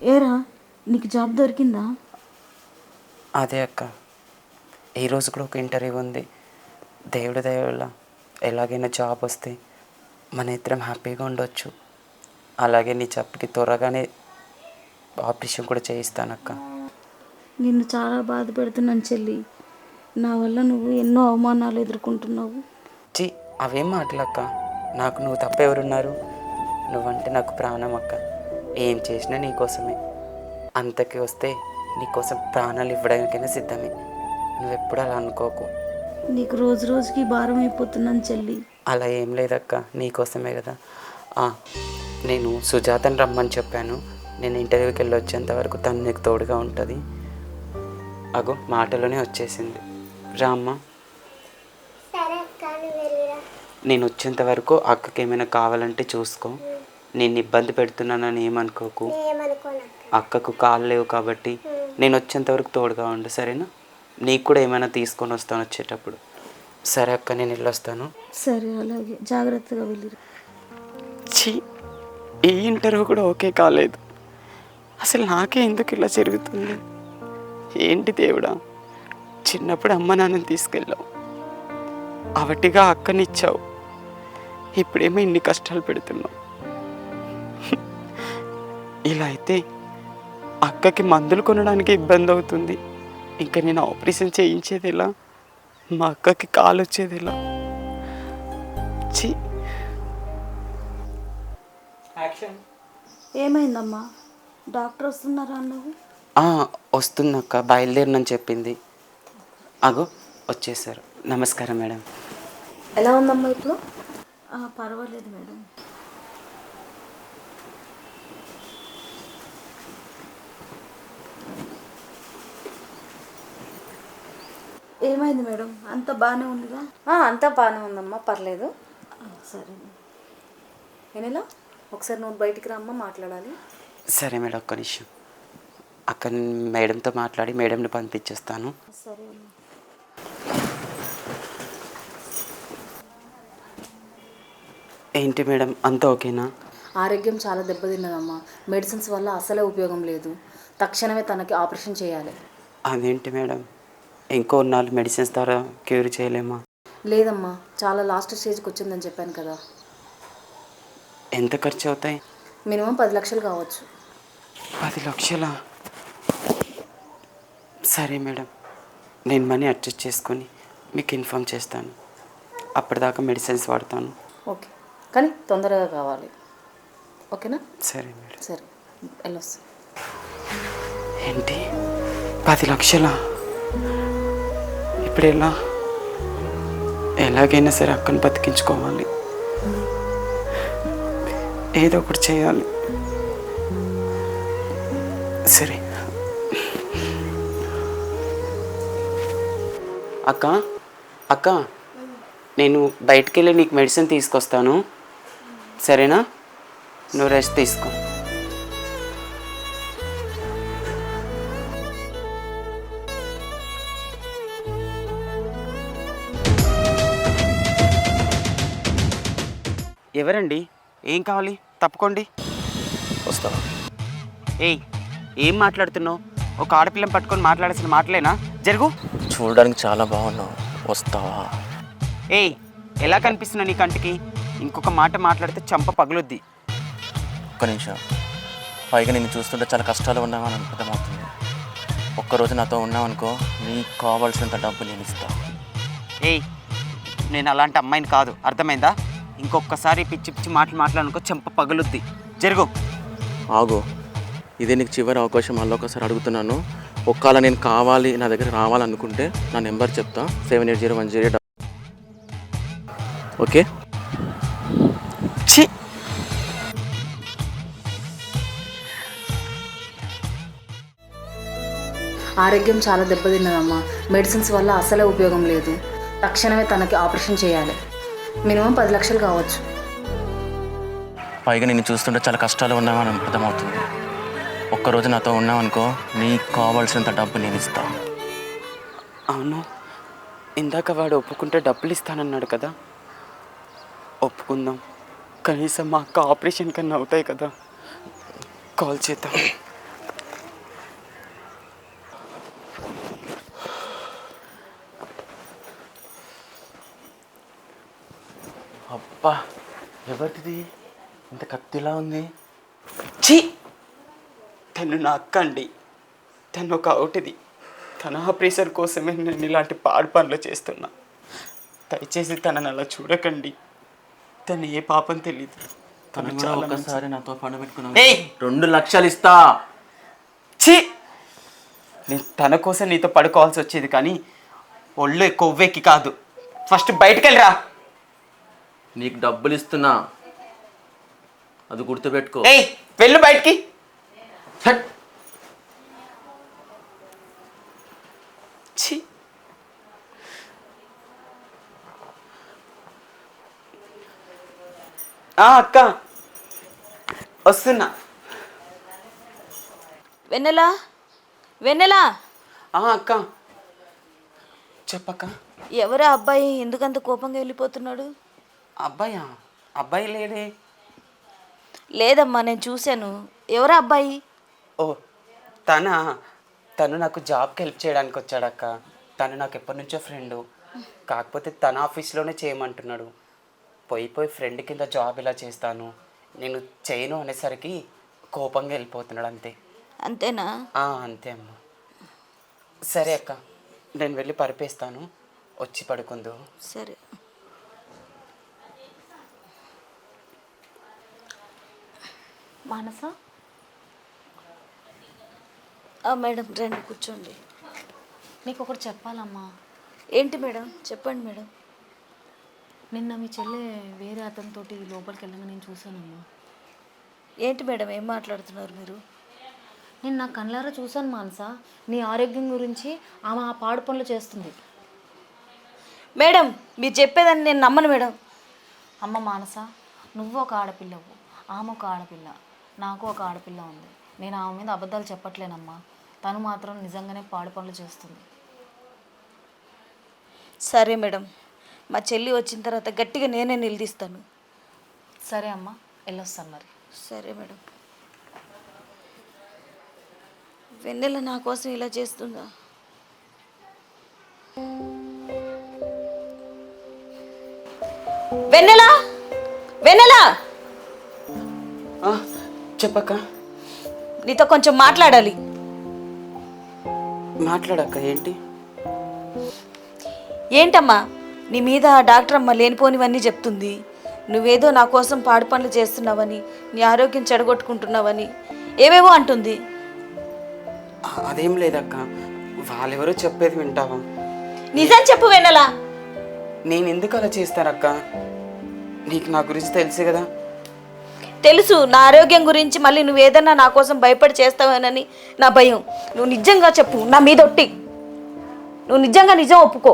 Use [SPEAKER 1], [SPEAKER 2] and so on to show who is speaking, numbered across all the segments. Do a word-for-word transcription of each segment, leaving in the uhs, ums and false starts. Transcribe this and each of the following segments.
[SPEAKER 1] ఏరా నీకు జాబ్ దొరికిందా?
[SPEAKER 2] అదే అక్క, ఈరోజు కూడా ఒక ఇంటర్వ్యూ ఉంది. దేవుడి దయ వల్ల ఎలాగైనా జాబ్ వస్తే మన ఇద్దరం హ్యాపీగా ఉండొచ్చు. అలాగే నీ చెప్పకి త్వరగానే ఆపరేషన్ కూడా చేయిస్తానక్క.
[SPEAKER 1] నిన్ను చాలా బాధ పెడుతున్నాను చెల్లి. నా వల్ల నువ్వు ఎన్నో అవమానాలు ఎదుర్కొంటున్నావు.
[SPEAKER 2] చి అవేం మాటలక్క, నాకు నువ్వు తప్ప ఎవరున్నారు? నువ్వంటే నాకు ప్రాణం అక్క. ఏం చేసినా నీకోసమే. అంతకి వస్తే నీకోసం ప్రాణాలు ఇవ్వడానికైనా సిద్ధమే. నువ్వెప్పుడు అలా అనుకోకు.
[SPEAKER 1] నీకు రోజు రోజుకి భారం అయిపోతున్నాను చెల్లి.
[SPEAKER 2] అలా ఏం లేదక్క, నీకోసమే కదా. నేను సుజాతని రమ్మని చెప్పాను. నేను ఇంటర్వ్యూకి వెళ్ళి వచ్చేంత వరకు తను నీకు తోడుగా ఉంటుంది. అగో మాటలోనే వచ్చేసింది. రామ్మ, నేను వచ్చేంత వరకు అక్కకి ఏమైనా కావాలంటే చూసుకో. నేను ఇబ్బంది పెడుతున్నానని ఏమనుకోకు. అక్కకు కాళ్ళు లేవు కాబట్టి నేను వచ్చేంత వరకు తోడుగా ఉండు, సరేనా? నీకు కూడా ఏమైనా తీసుకొని వస్తాను వచ్చేటప్పుడు. సరే అక్క, నేను వెళ్ళొస్తాను.
[SPEAKER 1] సరే, అలాగే జాగ్రత్తగా వెళ్ళి.
[SPEAKER 2] ఛీ, ఈ ఇంటర్వ్యూ కూడా ఓకే కాలేదు. అసలు నాకే ఎందుకు ఇలా జరుగుతుంది? ఏంటి దేవుడా, చిన్నప్పుడు అమ్మ నాన్నని తీసుకెళ్ళావు, అవటిగా అక్కనిచ్చావు, ఇప్పుడేమో ఇన్ని కష్టాలు పెడుతున్నావు. ఇలా అయితే అక్కకి మందులు కొనడానికి ఇబ్బంది అవుతుంది. ఇంకా నేను ఆపరేషన్ చేయించేది ఎలా? మా అక్కకి కాలు వచ్చేది ఎలా? ఛీ.
[SPEAKER 1] ఏమైందమ్మా? డాక్టర్ వస్తున్నారా అన్నావు?
[SPEAKER 2] వస్తుందక్క, బయలుదేరినని చెప్పింది. అగో వచ్చేసారు. నమస్కారం మేడం.
[SPEAKER 1] ఎలా ఉందమ్మా ఇప్పుడు? పర్వాలేదు మేడం. ఏమైంది మేడం? అంతా బాగానే ఉందిగా?
[SPEAKER 3] అంతా బాగానే ఉందమ్మా, పర్లేదు.
[SPEAKER 1] సరే
[SPEAKER 3] ఏనేలా ఒకసారి నువ్వు బయటికి రమ్మా, మాట్లాడాలి.
[SPEAKER 2] సరే మేడం, ఒక్క నిమిషం. అక్క మేడంతో మాట్లాడి మేడంని పంపించేస్తాను.
[SPEAKER 1] సరే.
[SPEAKER 2] ఏంటి మేడం, అంతా ఓకేనా?
[SPEAKER 3] ఆరోగ్యం చాలా దెబ్బతిన్నదమ్మా. మెడిసిన్స్ వల్ల అసలే ఉపయోగం లేదు. తక్షణమే తనకి ఆపరేషన్ చేయాలి.
[SPEAKER 2] అదేంటి మేడం, ఇంకో నాలుగు మెడిసిన్స్ ద్వారా క్యూర్ చేయలేమా?
[SPEAKER 3] లేదమ్మా, చాలా లాస్ట్ స్టేజ్కి వచ్చిందని చెప్పాను కదా.
[SPEAKER 2] ఎంత ఖర్చు అవుతాయి?
[SPEAKER 3] మినిమం పది లక్షలు కావచ్చు.
[SPEAKER 2] పది లక్షలా? సరే మేడం, నేను మనీ అడ్జస్ట్ చేసుకొని మీకు ఇన్ఫామ్ చేస్తాను. అప్పటిదాకా మెడిసిన్స్ వాడతాను.
[SPEAKER 3] ఓకే, కానీ తొందరగా కావాలి, ఓకేనా?
[SPEAKER 2] సరే మేడం.
[SPEAKER 3] సరే, వెళ్ళొస్తా.
[SPEAKER 2] ఏంటి, పది లక్షలా? ఇప్పుడు ఎలా? ఎలాగైనా సరే అక్కను బతికించుకోవాలి. ఏదో ఒకటి చేయాలి. సరే అక్క, అక్క నేను బయటికి వెళ్ళి నీకు మెడిసిన్ తీసుకొస్తాను, సరేనా? నువ్వు రెస్ట్ తీసుకో. ఎవరండి? ఏం కావాలి? తప్పుకోండి.
[SPEAKER 4] వస్తావా?
[SPEAKER 2] ఏయ్, ఏం మాట్లాడుతున్నావు? ఒక ఆడపిల్లని పట్టుకొని మాట్లాడాల్సిన మాటలేనా? జరుగు.
[SPEAKER 4] చూడడానికి చాలా బాగున్నావు, వస్తావా?
[SPEAKER 2] ఏయ్, ఎలా కనిపిస్తున్నావు నీ కంటికి? ఇంకొక మాట మాట్లాడితే చంప పగులుద్ది.
[SPEAKER 4] ఒక్క నిమిషం. పైగా నేను చూస్తుంటే చాలా కష్టాలు ఉన్నామని అర్థమవుతుంది. ఒక్కరోజు నాతో ఉన్నావనుకో, నీకు కావాల్సినంత డబ్బు నేను ఇస్తా.
[SPEAKER 2] ఏయ్, నేను అలాంటి అమ్మాయిని కాదు, అర్థమైందా? ఇంకొకసారి పిచ్చి పిచ్చి మాటలు మాట్లాడనుకో, చెంప పగులుద్ది. జరుగు.
[SPEAKER 4] ఆగు, ఇదే నీకు చివరి అవకాశం. మళ్ళీ ఒకసారి అడుగుతున్నాను. ఒక్కవేళ నేను కావాలి, నా దగ్గర రావాలనుకుంటే నా నెంబర్ చెప్తా, seven eight zero one zero eight. Okay?
[SPEAKER 2] ఛీ,
[SPEAKER 3] ఆరోగ్యం చాలా దెబ్బతిన్నదమ్మా. మెడిసిన్స్ వల్ల అసలే ఉపయోగం లేదు. తక్షణమే తనకి ఆపరేషన్ చేయాలి. మినిమం పది లక్షలు కావచ్చు.
[SPEAKER 4] పైగా నేను చూస్తుంటే చాలా కష్టాలు ఉన్నామని అర్థమవుతుంది. ఒక్కరోజు నాతో ఉన్నావనుకో, నీకు కావాల్సినంత డబ్బు నేను ఇస్తా.
[SPEAKER 2] అవును, ఇందాక వాడు ఒప్పుకుంటే డబ్బులు ఇస్తానన్నాడు కదా. ఒప్పుకుందాం, కనీసం మా అక్క ఆపరేషన్ కన్నా అవుతాయి కదా. కాల్ చేద్దాం. అబ్బా, ఎవరిది ఇంత కత్తిలా ఉంది? ఛీ, తను నా అక్క అండి. తను ఒక అవుటిది. తన ఆపరేషన్ కోసమే నేను ఇలాంటి పాడు పనులు చేస్తున్నా. దయచేసి తనని అలా చూడకండి. తను ఏ పాపం తెలియదు.
[SPEAKER 4] తను కూడా ఒకసారి నాతో పండు పెట్టుకున్నాను.
[SPEAKER 2] ఏయ్,
[SPEAKER 4] రెండు లక్షలు ఇస్తా.
[SPEAKER 2] ఛీ, నేను తన కోసం నీతో పడుకోవాల్సి వచ్చేది, కానీ ఒళ్ళు కొవ్వెక్కి కాదు. ఫస్ట్ బయటకు వెళ్ళిరా.
[SPEAKER 4] నీకు డబ్బులు ఇస్తున్నా, అది గుర్తుపెట్టుకో.
[SPEAKER 2] ఏయ్, వెళ్ళు బయటికి.
[SPEAKER 4] హట్.
[SPEAKER 2] ఛీ, అక్క వస్తున్నా.
[SPEAKER 1] వెన్నెలా, వెన్నెలా,
[SPEAKER 2] అక్క చెప్పక్క.
[SPEAKER 1] ఎవరా అబ్బాయి ఎందుకంత కోపంగా వెళ్ళిపోతున్నాడు?
[SPEAKER 2] అబ్బాయా? అబ్బాయి లేడే.
[SPEAKER 1] లేదమ్మా, నేను చూశాను. ఎవరా అబ్బాయి?
[SPEAKER 2] ఓ, తన తను నాకు జాబ్కి హెల్ప్ చేయడానికి వచ్చాడక్క. తను నాకు ఎప్పటి నుంచో ఫ్రెండు. కాకపోతే తన ఆఫీస్లోనే చేయమంటున్నాడు. పోయి పోయి ఫ్రెండ్ కింద జాబ్ ఇలా చేస్తాను, నేను చేయను అనేసరికి కోపంగా వెళ్ళిపోతున్నాడు అంతే.
[SPEAKER 1] అంతేనా?
[SPEAKER 2] అంతే అమ్మ. సరే అక్క, నేను వెళ్ళి పరిపేస్తాను, వచ్చి పడుకుందు.
[SPEAKER 1] సరే.
[SPEAKER 3] మానస,
[SPEAKER 1] మేడం రండి కూర్చోండి.
[SPEAKER 3] నీకు ఒకటి చెప్పాలమ్మా.
[SPEAKER 1] ఏంటి మేడం? చెప్పండి మేడం.
[SPEAKER 3] నిన్న మీ చెల్లె వేరే అతనితోటి లోపలికి వెళ్ళగా నేను చూశానమ్మా.
[SPEAKER 1] ఏంటి మేడం, ఏం మాట్లాడుతున్నారు మీరు?
[SPEAKER 3] నేను నా కళ్ళారా చూశాను మానస. నీ ఆరోగ్యం గురించి ఆమె ఆ పాడు పనులు చేస్తుంది.
[SPEAKER 1] మేడం, మీరు చెప్పేదాన్ని నేను నమ్మను మేడం.
[SPEAKER 3] అమ్మ మానస, నువ్వు ఒక ఆడపిల్లవు, ఆమె ఒక ఆడపిల్ల, నాకు ఒక ఆడపిల్ల ఉంది. నేను ఆమె మీద అబద్ధాలు చెప్పట్లేనమ్మా. తను మాత్రం నిజంగానే పాడు పనులు చేస్తుంది.
[SPEAKER 1] సరే మేడం, మా చెల్లి వచ్చిన తర్వాత గట్టిగా నేనే నిలదీస్తాను.
[SPEAKER 3] సరే అమ్మా, వెళ్ళొస్తాను మరి.
[SPEAKER 1] సరే మేడం. వెన్నెల నా కోసం ఇలా చేస్తుందా? వెన్నెల, వెన్నెల,
[SPEAKER 2] చెప్పక్క.
[SPEAKER 1] నీతో కొంచెం మాట్లాడాలి.
[SPEAKER 2] మాట్లాడక్క. ఏంటి?
[SPEAKER 1] ఏంటమ్మా, నీ మీద ఆ డాక్టర్ అమ్మ లేనిపోనివన్నీ చెప్తుంది. నువ్వేదో నా కోసం పాడు పనులు చేస్తున్నావని, నీ ఆరోగ్యం చెడగొట్టుకుంటున్నావని ఏవేవో అంటుంది.
[SPEAKER 2] అదేం లేదక్క, వాళ్ళెవరో చెప్పేది వింటావా?
[SPEAKER 1] నిజం చెప్పు వెన్నెల.
[SPEAKER 2] నేను ఎందుకు అలా చేస్తానక్క? నీకు నా గురించి తెలుసు కదా.
[SPEAKER 1] తెలుసు, నా ఆరోగ్యం గురించి మళ్ళీ నువ్వు ఏదన్నా నా కోసం భయపడి చేస్తావేనని నా భయం. నువ్వు నిజంగా చెప్పు, నా మీద ఒట్టి. నువ్వు నిజంగా నిజం ఒప్పుకో.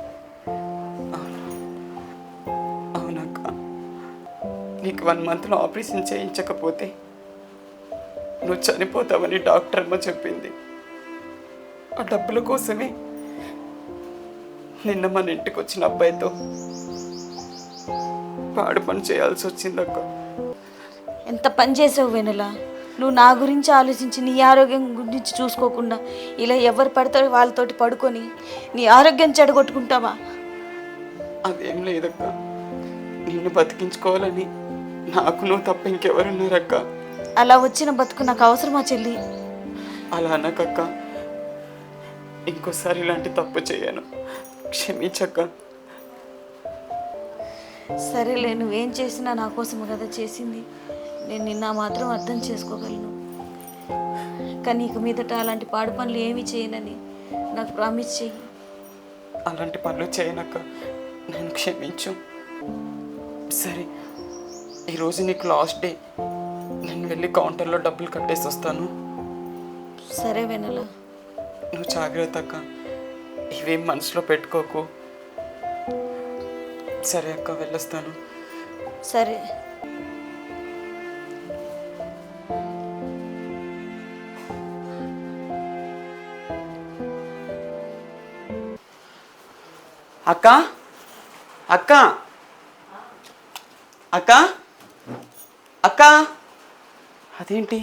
[SPEAKER 2] అవునక్క, నీకు వన్ మంత్లో ఆపరేషన్ చేయించకపోతే నువ్వు చనిపోతావని డాక్టర్ అమ్మ చెప్పింది. ఆ డబ్బుల కోసమే నిన్న మన ఇంటికి వచ్చిన అబ్బాయితో పాడు పని చేయాల్సి వచ్చిందక్క.
[SPEAKER 1] ఎంత పని చేసావు వెనుల. నువ్వు నా గురించి ఆలోచించి నీ ఆరోగ్యం గురించి చూసుకోకుండా ఇలా ఎవరు పడతారో వాళ్ళతోటి పడుకొని నీ ఆరోగ్యం చెడగొట్టుకుంటావా?
[SPEAKER 2] అదేం లేదక్క, నిన్ను బతికించుకోవాలని నాకు నువ్వు తప్ప ఇంకెవరున్నారక్క?
[SPEAKER 1] అలా వచ్చిన బతుకు నాకు అవసరమా చెల్లి?
[SPEAKER 2] అలా అనకక్క, ఇంకోసారి ఇలాంటి తప్పు చేయను, క్షమించక్క.
[SPEAKER 1] సరేలే, నువ్వేం చేసినా నా కోసం కదా చేసింది. నేను నిన్న మాత్రం అర్థం చేసుకోగలను. కానీ ఇక మీదట అలాంటి పాడు పనులు ఏమీ చేయనని నాకు ప్రామిస్ చెయ్యి.
[SPEAKER 2] అలాంటి పనులు చేయనక్క, నన్ను క్షమించు. సరే, ఈరోజు నీకు లాస్ట్ డే. నేను వెళ్ళి కౌంటర్లో డబ్బులు కట్టేసి వస్తాను.
[SPEAKER 1] సరే వెనల,
[SPEAKER 2] నువ్వు జాగ్రత్త అక్క, ఇవేం మనసులో పెట్టుకోకు. సరే అక్క, వెళ్ళొస్తాను.
[SPEAKER 1] సరే.
[SPEAKER 2] అక్క, అక్క, అక్క, అక్క, అదేంటి?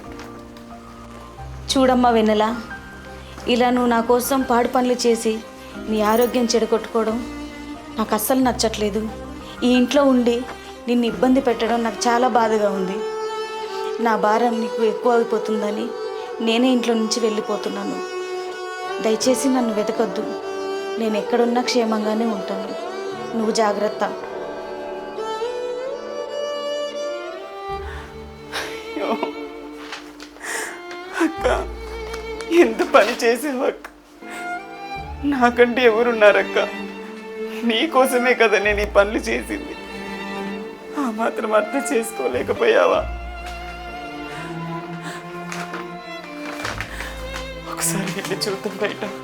[SPEAKER 1] చూడమ్మా వెన్నెల, ఇలా నువ్వు నా కోసం పాడు పనులు చేసి నీ ఆరోగ్యం చెడగొట్టుకోవడం నాకు అస్సలు నచ్చట్లేదు. ఈ ఇంట్లో ఉండి నిన్ను ఇబ్బంది పెట్టడం నాకు చాలా బాధగా ఉంది. నా భారం నీకు ఎక్కువ అయిపోతుందని నేనే ఇంట్లో నుంచి వెళ్ళిపోతున్నాను. దయచేసి నన్ను వెతకద్దు. నేను ఎక్కడున్నా క్షేమంగానే ఉంటాను. నువ్వు జాగ్రత్త.
[SPEAKER 2] అక్క, ఎంత పని చేసావు అక్క. నాకంటే ఎవరున్నారక్క? నీకోసమే కదా నేను ఈ పనులు చేసింది. ఆ మాత్రం అర్థం చేసుకోలేకపోయావా? ఒకసారి వెళ్ళి చూద్దాం బయట.